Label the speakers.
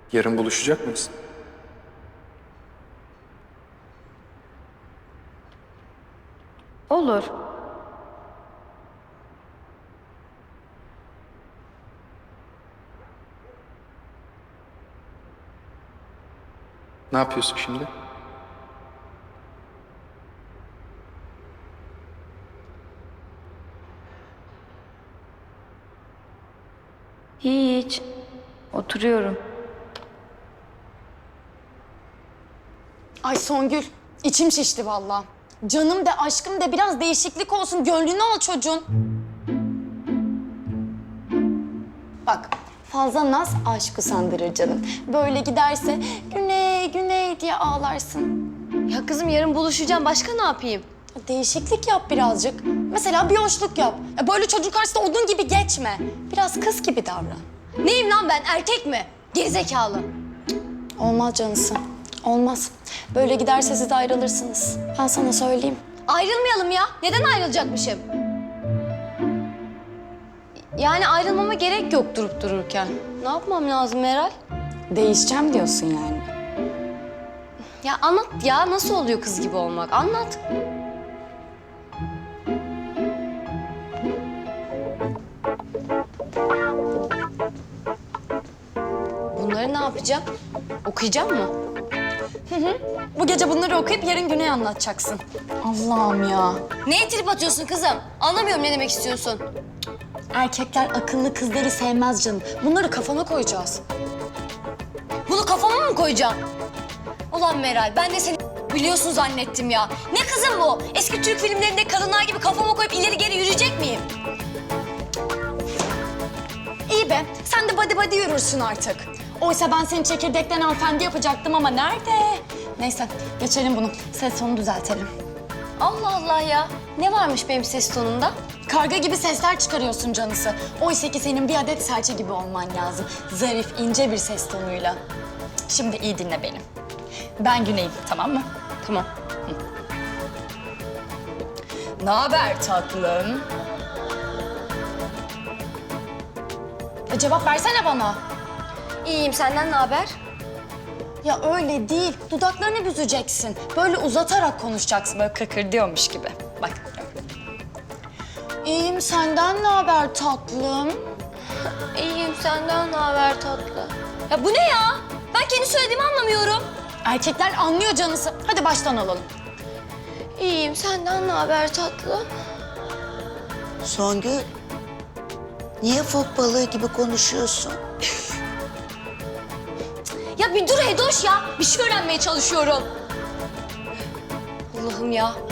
Speaker 1: Yarın buluşacak mıyız?
Speaker 2: Olur.
Speaker 1: Ne yapıyorsun şimdi?
Speaker 2: Hiç. Oturuyorum.
Speaker 3: Ay Songül, içim şişti vallahi. Canım de aşkım de biraz değişiklik olsun. Gönlünü al çocuğun. Bak, fazla naz aşkı sandırır canım. Böyle giderse güney güney diye ağlarsın.
Speaker 4: Ya kızım yarın buluşacağım. Başka ne yapayım?
Speaker 3: Değişiklik yap birazcık. Mesela bir hoşluk yap. Böyle çocuk karşısında odun gibi geçme. Biraz kız gibi davran.
Speaker 4: Neyim lan ben? Erkek mi? Gerizekalı.
Speaker 3: Olmaz canısı. Olmaz. Böyle giderse siz de ayrılırsınız. Ben sana söyleyeyim.
Speaker 4: Ayrılmayalım ya. Neden ayrılacakmışım? Yani ayrılmama gerek yok durup dururken. Ne yapmam lazım Meral?
Speaker 3: Değişeceğim diyorsun yani.
Speaker 4: Ya anlat ya. Nasıl oluyor kız gibi olmak? Anlat. Bunları ne yapacağım? Okuyacağım mı?
Speaker 3: Bu gece bunları okuyup yarın Güney anlatacaksın. Allah'ım ya.
Speaker 4: Neye trip atıyorsun kızım? Anlamıyorum ne demek istiyorsun.
Speaker 3: Erkekler akıllı kızları sevmez canım. Bunları kafana koyacağız.
Speaker 4: Bunu kafama mı koyacağım? Ulan Meral, ben de seni biliyorsun zannettim ya. Ne kızım bu? Eski Türk filmlerinde kadınlar gibi kafama koyup ileri geri yürüyecek miyim?
Speaker 3: İyi be, sen de body body yürürsün artık. Oysa ben seni çekirdekten hanımefendi yapacaktım ama nerede? Neyse, geçelim bunu. Ses tonunu düzeltelim.
Speaker 4: Allah Allah ya. Ne varmış benim ses tonumda?
Speaker 3: Karga gibi sesler çıkarıyorsun canısı. Oysa ki senin bir adet serçe gibi olman lazım. Zarif, ince bir ses tonuyla. Şimdi iyi dinle beni. Ben Güney'im, tamam mı?
Speaker 4: Tamam.
Speaker 3: Ne haber tatlım? Cevap versene bana.
Speaker 4: İyiyim, senden ne haber?
Speaker 3: Ya öyle değil. Dudaklarını büzeceksin. Böyle uzatarak konuşacaksın. Böyle kıkırdıyormuş gibi. Bak. İyiyim. Senden ne haber tatlım?
Speaker 4: İyiyim, senden ne haber tatlı? Ya bu ne ya? Ben kendi söylediğimi anlamıyorum.
Speaker 3: Erkekler anlıyor canısı. Hadi baştan alalım.
Speaker 4: İyiyim, senden ne haber tatlı?
Speaker 5: Songül, niye fok balığı gibi konuşuyorsun?
Speaker 4: Ya bir dur Hedoş ya. Bir şey öğrenmeye çalışıyorum. Allah'ım ya.